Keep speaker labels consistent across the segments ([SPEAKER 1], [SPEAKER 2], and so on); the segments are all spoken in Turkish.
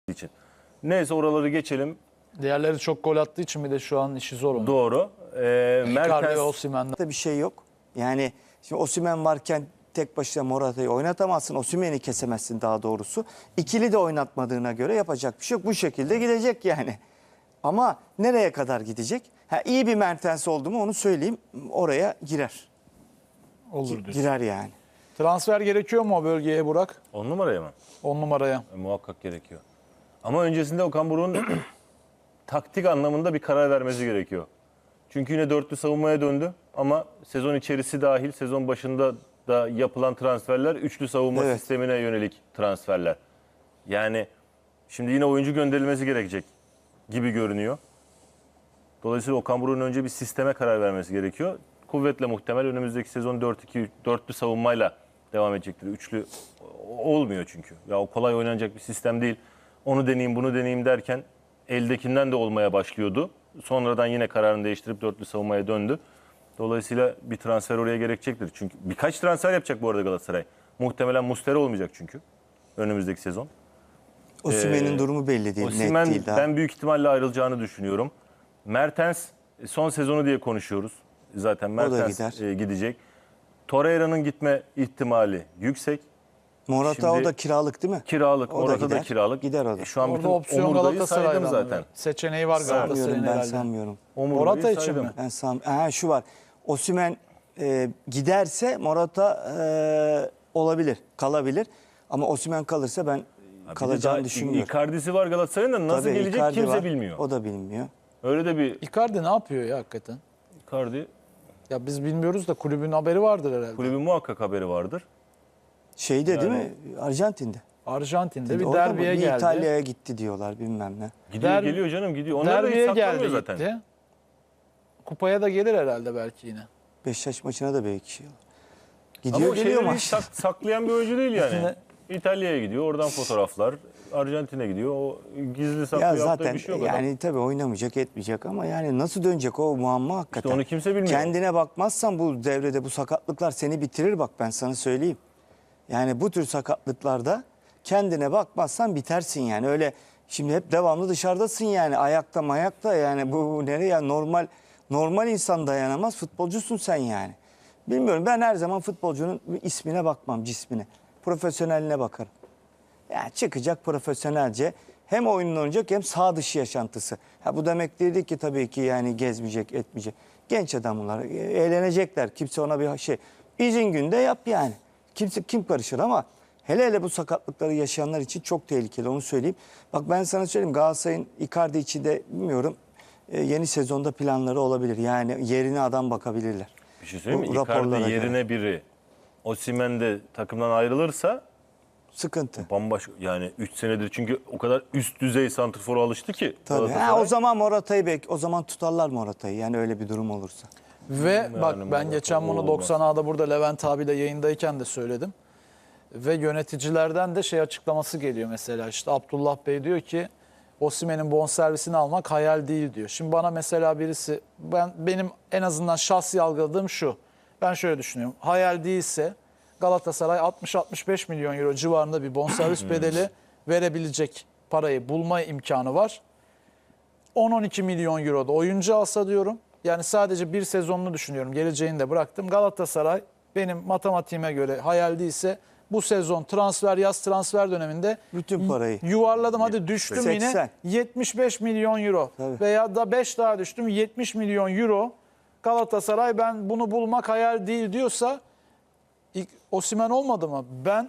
[SPEAKER 1] için. Neyse oraları geçelim.
[SPEAKER 2] Diğerleri çok gol attığı için bir de şu an işi zor onun.
[SPEAKER 1] Doğru.
[SPEAKER 2] Icardi ve
[SPEAKER 1] Mertens
[SPEAKER 2] Osimhen'den.
[SPEAKER 3] Bir şey yok. Yani şimdi Osimhen varken tek başına Morata'yı oynatamazsın. Osimhen'i kesemezsin daha doğrusu. İkili de oynatmadığına göre yapacak bir şey yok. Bu şekilde gidecek yani. Ama nereye kadar gidecek? İyi bir Mertens oldu mu onu söyleyeyim. Oraya girer.
[SPEAKER 2] Olur diyorsun.
[SPEAKER 3] Girer yani.
[SPEAKER 2] Transfer gerekiyor mu o bölgeye Burak?
[SPEAKER 1] 10 numaraya mı?
[SPEAKER 2] 10 numaraya.
[SPEAKER 1] Muhakkak gerekiyor. Ama öncesinde Okan Buruk'un taktik anlamında bir karar vermesi gerekiyor. Çünkü yine dörtlü savunmaya döndü ama sezon içerisi dahil sezon başında da yapılan transferler üçlü savunma
[SPEAKER 3] Evet.
[SPEAKER 1] sistemine yönelik transferler. Yani şimdi yine oyuncu gönderilmesi gerekecek gibi görünüyor. Dolayısıyla Okan Buruk'un önce bir sisteme karar vermesi gerekiyor. Kuvvetle muhtemel önümüzdeki sezon 4-2 dörtlü savunmayla devam edecektir. Üçlü olmuyor çünkü. Ya o kolay oynanacak bir sistem değil. Onu deneyeyim, bunu deneyeyim derken eldekinden de olmaya başlıyordu. Sonradan yine kararını değiştirip dörtlü savunmaya döndü. Dolayısıyla bir transfer oraya gerekecektir. Çünkü birkaç transfer yapacak bu arada Galatasaray. Muhtemelen Muslera olmayacak çünkü önümüzdeki sezon.
[SPEAKER 3] Osimhen'in durumu belli değil.
[SPEAKER 1] Osimhen
[SPEAKER 3] Net değil daha.
[SPEAKER 1] ben büyük ihtimalle ayrılacağını düşünüyorum. Mertens son sezonu diye konuşuyoruz. Zaten Mertens
[SPEAKER 3] gider.
[SPEAKER 1] gidecek. Torreira'nın gitme ihtimali yüksek.
[SPEAKER 3] Morata
[SPEAKER 1] Şimdi
[SPEAKER 3] o da kiralık değil mi?
[SPEAKER 1] Kiralık,
[SPEAKER 3] O da
[SPEAKER 1] orada da
[SPEAKER 3] gider.
[SPEAKER 1] kiralık.
[SPEAKER 3] Gider o da.
[SPEAKER 1] Şu an
[SPEAKER 2] Orada
[SPEAKER 1] bütün
[SPEAKER 2] opsiyon
[SPEAKER 1] omurgayı
[SPEAKER 2] Galatasaray'dan
[SPEAKER 1] saydım zaten.
[SPEAKER 2] zaten. Seçeneği var Galatasaray'ın
[SPEAKER 3] Sanmıyorum, ben
[SPEAKER 2] herhalde.
[SPEAKER 3] sanmıyorum.
[SPEAKER 1] Omurgayı
[SPEAKER 2] Morata için
[SPEAKER 1] saydım.
[SPEAKER 2] mi?
[SPEAKER 3] Şu var. Osimhen giderse Morata olabilir, kalabilir. Ama Osimhen kalırsa ben kalacağını düşünmüyorum.
[SPEAKER 1] Icardi'si var Galatasaray'ın da nasıl
[SPEAKER 3] Tabii,
[SPEAKER 1] gelecek
[SPEAKER 3] Icardi
[SPEAKER 1] kimse
[SPEAKER 3] var.
[SPEAKER 1] bilmiyor.
[SPEAKER 3] O da bilmiyor.
[SPEAKER 1] Öyle de bir
[SPEAKER 2] Icardi ne yapıyor ya hakikaten?
[SPEAKER 1] Icardi
[SPEAKER 2] Ya biz bilmiyoruz da kulübün haberi vardır herhalde.
[SPEAKER 1] kulübün muhakkak haberi vardır.
[SPEAKER 3] Şeyde değil mi? Arjantin'de.
[SPEAKER 2] Arjantin'de bir
[SPEAKER 3] Orada mı?
[SPEAKER 2] derbiye
[SPEAKER 3] Bir
[SPEAKER 2] geldi.
[SPEAKER 3] İtalya'ya gitti diyorlar bilmem ne.
[SPEAKER 1] Gidiyor geliyor canım gidiyor. Onlar da hiç
[SPEAKER 2] Derbiye
[SPEAKER 1] saklamıyor
[SPEAKER 2] geldi
[SPEAKER 1] zaten.
[SPEAKER 2] gitti. Kupaya da gelir herhalde belki yine.
[SPEAKER 3] Beşiktaş maçına da belki şey olur.
[SPEAKER 1] Ama
[SPEAKER 3] Gidiyor
[SPEAKER 1] o
[SPEAKER 3] geliyor
[SPEAKER 1] şeyleri
[SPEAKER 3] maç.
[SPEAKER 1] hiç saklayan bir oyuncu değil yani. İtalya'ya gidiyor, oradan fotoğraflar. Arjantin'e gidiyor. O gizli saklı
[SPEAKER 3] Ya
[SPEAKER 1] yaptığı
[SPEAKER 3] zaten
[SPEAKER 1] bir şey yok. adam.
[SPEAKER 3] yani tabii oynamayacak etmeyecek ama yani nasıl dönecek o muamma hakikaten.
[SPEAKER 1] İşte onu kimse bilmiyor.
[SPEAKER 3] Kendine bakmazsan bu devrede bu sakatlıklar seni bitirir bak ben sana söyleyeyim. Yani bu tür sakatlıklarda kendine bakmazsan bitersin yani. Öyle şimdi hep devamlı dışarıdasın yani ayakta mayakta yani bu nereye yani normal insan dayanamaz futbolcusun sen yani. Bilmiyorum ben her zaman futbolcunun ismine bakmam cismine. Profesyoneline bakarım. Yani çıkacak profesyonelce hem oyununu oynayacak hem sağ dışı yaşantısı. Bu demek değil ki tabii ki yani gezmeyecek etmeyecek. Genç adam bunlar eğlenecekler kimse ona bir şey. İzin günde yap yani. Kim karışır ama hele bu sakatlıkları yaşayanlar için çok tehlikeli onu söyleyeyim. Bak ben sana söyleyeyim Galatasaray'ın Icardi için de bilmiyorum yeni sezonda planları olabilir. Yani yerine adam bakabilirler.
[SPEAKER 1] Bir şey söyleyeyim mi?
[SPEAKER 3] Bu raporlara
[SPEAKER 1] Icardi yerine
[SPEAKER 3] göre.
[SPEAKER 1] biri Osimhen de takımdan ayrılırsa
[SPEAKER 3] Sıkıntı.
[SPEAKER 1] bambaşka yani 3 senedir çünkü o kadar üst düzey santrfora alıştı ki.
[SPEAKER 3] Tabii.
[SPEAKER 1] Galatasaray.
[SPEAKER 3] O zaman Morata'yı o zaman tutarlar Morata'yı yani öyle bir durum olursa.
[SPEAKER 2] Ve bak
[SPEAKER 1] Yani
[SPEAKER 2] ben
[SPEAKER 1] Morata
[SPEAKER 2] geçen bunu
[SPEAKER 1] olmaz.
[SPEAKER 2] 90A'da burada Levent abiyle yayındayken de söyledim. Ve yöneticilerden de şey açıklaması geliyor mesela işte Abdullah Bey diyor ki Osimhen'in bonservisini almak hayal değil diyor. Şimdi bana mesela birisi benim en azından şahsi algıladığım şu. Ben şöyle düşünüyorum. Hayal değilse Galatasaray 60-65 milyon euro civarında bir bonservis bedeli verebilecek parayı bulma imkanı var. 10-12 milyon euro da oyuncu alsa diyorum. Yani sadece bir sezonunu düşünüyorum. Geleceğini de bıraktım. Galatasaray benim matematiğime göre hayal değilse bu sezon yaz transfer döneminde
[SPEAKER 3] Bütün parayı.
[SPEAKER 2] yuvarladım hadi düştüm
[SPEAKER 3] 80.
[SPEAKER 2] yine 75 milyon euro.
[SPEAKER 3] Tabii.
[SPEAKER 2] Veya da 5 daha düştüm 70 milyon euro. Galatasaray ben bunu bulmak hayal değil diyorsa Osimhen olmadı mı?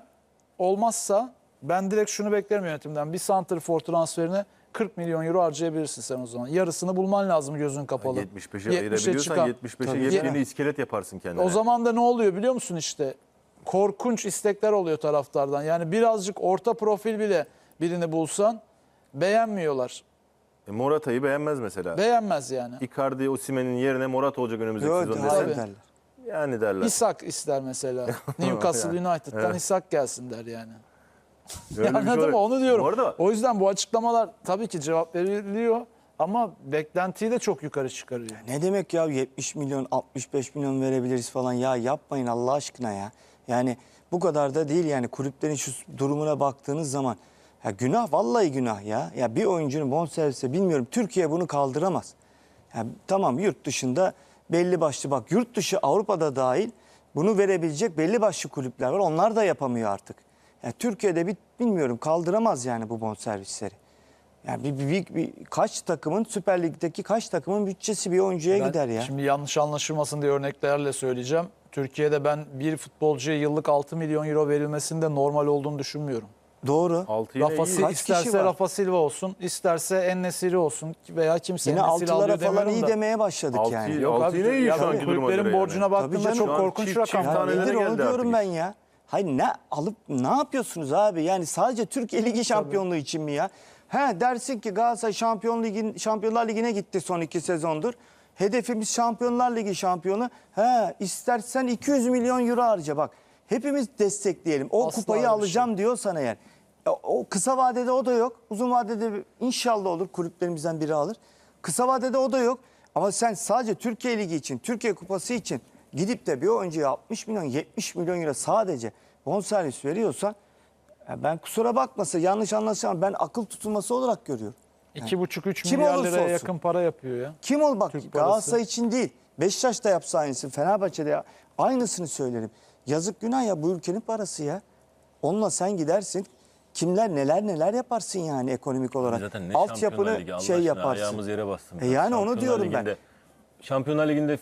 [SPEAKER 2] Olmazsa ben direkt şunu beklerim yönetimden. Bir santrfor transferine 40 milyon euro harcayabilirsin sen o zaman. Yarısını bulman lazım gözün kapalı.
[SPEAKER 1] 75'e ayırabiliyorsan
[SPEAKER 2] çıkan.
[SPEAKER 1] 75'e
[SPEAKER 3] Tabii.
[SPEAKER 1] yepyeni iskelet yaparsın kendine.
[SPEAKER 2] O zaman da ne oluyor biliyor musun işte? Korkunç istekler oluyor taraftardan. Yani birazcık orta profil bile birini bulsan beğenmiyorlar.
[SPEAKER 1] Morata'yı beğenmez mesela.
[SPEAKER 2] Beğenmez yani.
[SPEAKER 1] Icardi, Osimhen'in yerine Morata olacak önümüzdeki
[SPEAKER 3] Yok,
[SPEAKER 1] sezon
[SPEAKER 3] hayır
[SPEAKER 1] desen.
[SPEAKER 3] derler.
[SPEAKER 1] Yani derler.
[SPEAKER 2] İshak ister mesela. Newcastle United'dan
[SPEAKER 1] Evet.
[SPEAKER 2] İshak gelsin der yani.
[SPEAKER 1] Öyle bir şey
[SPEAKER 2] Anladın
[SPEAKER 1] olabilir.
[SPEAKER 2] mı? Onu diyorum.
[SPEAKER 1] Bu arada
[SPEAKER 2] O yüzden bu açıklamalar tabii ki cevap veriliyor ama beklentiyi de çok yukarı çıkarıyor.
[SPEAKER 3] Ne demek ya 70 milyon 65 milyon verebiliriz falan ya yapmayın Allah aşkına ya. Yani bu kadar da değil yani kulüplerin şu durumuna baktığınız zaman Ya günah, vallahi günah ya. Ya bir oyuncunun bonservisi, bilmiyorum, Türkiye bunu kaldıramaz. Ya tamam, yurt dışında belli başlı, bak yurt dışı Avrupa'da dahil bunu verebilecek belli başlı kulüpler var. Onlar da yapamıyor artık. Ya Türkiye'de bilmiyorum, kaldıramaz yani bu bonservisleri. Yani kaç takımın, Süper Lig'deki kaç takımın bütçesi bir oyuncuya
[SPEAKER 2] Ben
[SPEAKER 3] gider ya.
[SPEAKER 2] Şimdi yanlış anlaşılmasın diye örneklerle söyleyeceğim. Türkiye'de ben bir futbolcuya yıllık 6 milyon euro verilmesinde normal olduğunu düşünmüyorum.
[SPEAKER 3] Doğru.
[SPEAKER 1] 6 yine
[SPEAKER 2] Rafa,
[SPEAKER 1] iyi.
[SPEAKER 3] Kaç kişi
[SPEAKER 2] isterse
[SPEAKER 3] var?
[SPEAKER 2] Rafa Silva olsun, isterse En-Nesyri olsun veya kimse
[SPEAKER 3] Yine
[SPEAKER 2] En-Nesyri
[SPEAKER 3] altılara
[SPEAKER 2] alıyor
[SPEAKER 3] falan
[SPEAKER 2] demiyorum
[SPEAKER 3] iyi
[SPEAKER 2] da.
[SPEAKER 3] demeye başladık
[SPEAKER 1] Altı
[SPEAKER 3] yani.
[SPEAKER 1] iyi.
[SPEAKER 2] Yok
[SPEAKER 1] Altı
[SPEAKER 2] abi,
[SPEAKER 1] yine iyi
[SPEAKER 2] ya
[SPEAKER 1] şu anki duruma
[SPEAKER 2] kulüplerin
[SPEAKER 1] göre
[SPEAKER 2] borcuna
[SPEAKER 1] yani.
[SPEAKER 2] baktığında
[SPEAKER 3] Tabii
[SPEAKER 2] çok
[SPEAKER 3] canım.
[SPEAKER 2] korkunç
[SPEAKER 1] Çift
[SPEAKER 2] rakamlar.
[SPEAKER 1] taneleri
[SPEAKER 3] Nedir onu
[SPEAKER 1] geldi
[SPEAKER 3] diyorum
[SPEAKER 1] artık
[SPEAKER 3] ben ya. Hayır, ne alıp ne yapıyorsunuz abi? Yani sadece Türkiye Ligi şampiyonluğu için mi ya? He, dersin ki Galatasaray Şampiyonlar Ligi'ne gitti son 2 sezondur. Hedefimiz Şampiyonlar Ligi şampiyonu. He, istersen 200 milyon euro harca bak. Hepimiz destekleyelim. O
[SPEAKER 2] Asla
[SPEAKER 3] kupayı
[SPEAKER 2] öyle bir
[SPEAKER 3] alacağım diyorsan eğer. O kısa vadede o da yok. Uzun vadede inşallah olur, kulüplerimizden biri alır. Kısa vadede o da yok. Ama sen sadece Türkiye Ligi için, Türkiye Kupası için gidip de bir oyuncuya 60 milyon, 70 milyon euro sadece bonservis veriyorsan, ya ben, kusura bakmasın, yanlış anlaşılma, ben akıl tutulması olarak görüyorum.
[SPEAKER 2] 2,5-3
[SPEAKER 3] Kim
[SPEAKER 2] milyar
[SPEAKER 3] olursa
[SPEAKER 2] liraya
[SPEAKER 3] olsun.
[SPEAKER 2] yakın para yapıyor ya.
[SPEAKER 3] Kim ol bak,
[SPEAKER 2] Türk
[SPEAKER 3] Galatasaray
[SPEAKER 2] parası.
[SPEAKER 3] için değil, Beşiktaş da yapsa aynısını, Fenerbahçe'de aynısını söylerim. Yazık, günah ya, bu ülkenin parası ya. Onunla sen gidersin, kimler neler yaparsın yani ekonomik olarak.
[SPEAKER 1] Zaten ne Şampiyonlar
[SPEAKER 3] Altyapını
[SPEAKER 1] Ligi, Allah
[SPEAKER 3] şey
[SPEAKER 1] aşkına
[SPEAKER 3] yaparsın.
[SPEAKER 1] ayağımız yere bastı.
[SPEAKER 3] Yani onu
[SPEAKER 1] Şampiyonlar
[SPEAKER 3] diyorum ben.
[SPEAKER 1] Ligi'nde- Şampiyonlar Ligi'nde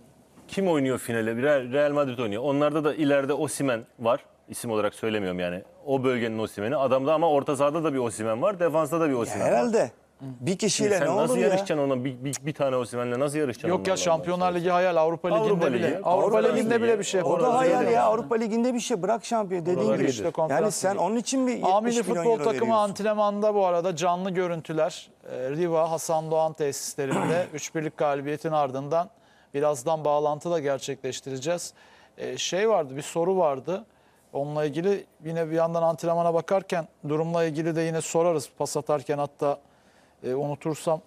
[SPEAKER 1] kim oynuyor finale? Real Madrid oynuyor. Onlarda da ileride Osimhen var. İsim olarak söylemiyorum yani. O bölgenin Osimhen'i. Adamda ama orta sahada da bir Osimhen var. Defansta da bir Osimhen var.
[SPEAKER 3] Herhalde. Bir kişiyle
[SPEAKER 1] Sen
[SPEAKER 3] ne
[SPEAKER 1] nasıl
[SPEAKER 3] olur ya?
[SPEAKER 1] yarışacaksın ona? Bir tane Osimhen'le nasıl yarışacaksın?
[SPEAKER 2] Yok ya,
[SPEAKER 1] onlarla?
[SPEAKER 2] Şampiyonlar Ligi hayal, Avrupa
[SPEAKER 1] Avrupa
[SPEAKER 2] Ligi'nde
[SPEAKER 1] Ligi,
[SPEAKER 2] bile. Avrupa
[SPEAKER 1] Avrupa
[SPEAKER 2] Ligi'nde
[SPEAKER 1] Ligi.
[SPEAKER 2] bile bir şey
[SPEAKER 3] O
[SPEAKER 2] yapamaz.
[SPEAKER 3] da hayal
[SPEAKER 1] öyle
[SPEAKER 3] ya.
[SPEAKER 1] yani.
[SPEAKER 3] Avrupa Ligi'nde bir şey, bırak şampiyon dediğin
[SPEAKER 1] Oralar
[SPEAKER 3] gibi.
[SPEAKER 1] iyidir.
[SPEAKER 2] İşte konferans
[SPEAKER 3] Yani sen
[SPEAKER 2] ligi.
[SPEAKER 3] onun için bir 70
[SPEAKER 2] Amili
[SPEAKER 3] milyon
[SPEAKER 2] futbol
[SPEAKER 3] euro
[SPEAKER 2] takımı
[SPEAKER 3] veriyorsun.
[SPEAKER 2] antrenmanda bu arada canlı görüntüler. Riva Hasan Doğan tesislerinde 3-1'lik galibiyetin ardından birazdan bağlantı da gerçekleştireceğiz. Şey vardı, bir soru vardı. Onunla ilgili yine bir yandan antrenmana bakarken durumla ilgili de yine sorarız. Pas atarken hatta unutursam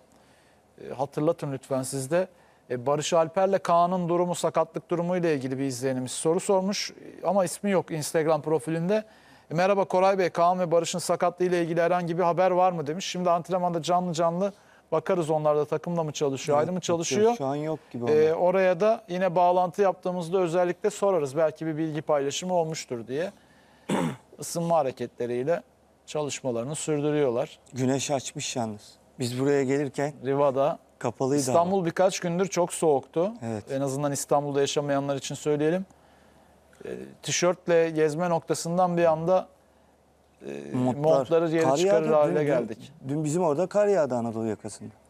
[SPEAKER 2] hatırlatın lütfen siz de. Barış Alper'le Kaan'ın durumu, sakatlık durumu ile ilgili bir izleyenimiz soru sormuş ama ismi yok Instagram profilinde. Merhaba Koray Bey, Kaan ve Barış'ın sakatlığı ile ilgili herhangi bir haber var mı demiş. Şimdi antrenmanda canlı bakarız, onlar da takımla mı çalışıyor, ayrı mı çalışıyor.
[SPEAKER 3] Şu an yok gibi onlar.
[SPEAKER 2] Oraya da yine bağlantı yaptığımızda özellikle sorarız. Belki bir bilgi paylaşımı olmuştur diye. Isınma hareketleriyle çalışmalarını sürdürüyorlar.
[SPEAKER 3] Güneş açmış yalnız. Biz buraya gelirken
[SPEAKER 2] Riva'da.
[SPEAKER 3] kapalıydı
[SPEAKER 2] İstanbul birkaç gündür çok soğuktu.
[SPEAKER 3] Evet.
[SPEAKER 2] En azından İstanbul'da yaşamayanlar için söyleyelim. Tişörtle gezme noktasından bir anda
[SPEAKER 3] ama.
[SPEAKER 2] montları yere
[SPEAKER 3] Kar
[SPEAKER 2] çıkarır
[SPEAKER 3] yağdı.
[SPEAKER 2] hale geldik.
[SPEAKER 3] Dün bizim orada kar yağdı Anadolu yakasında.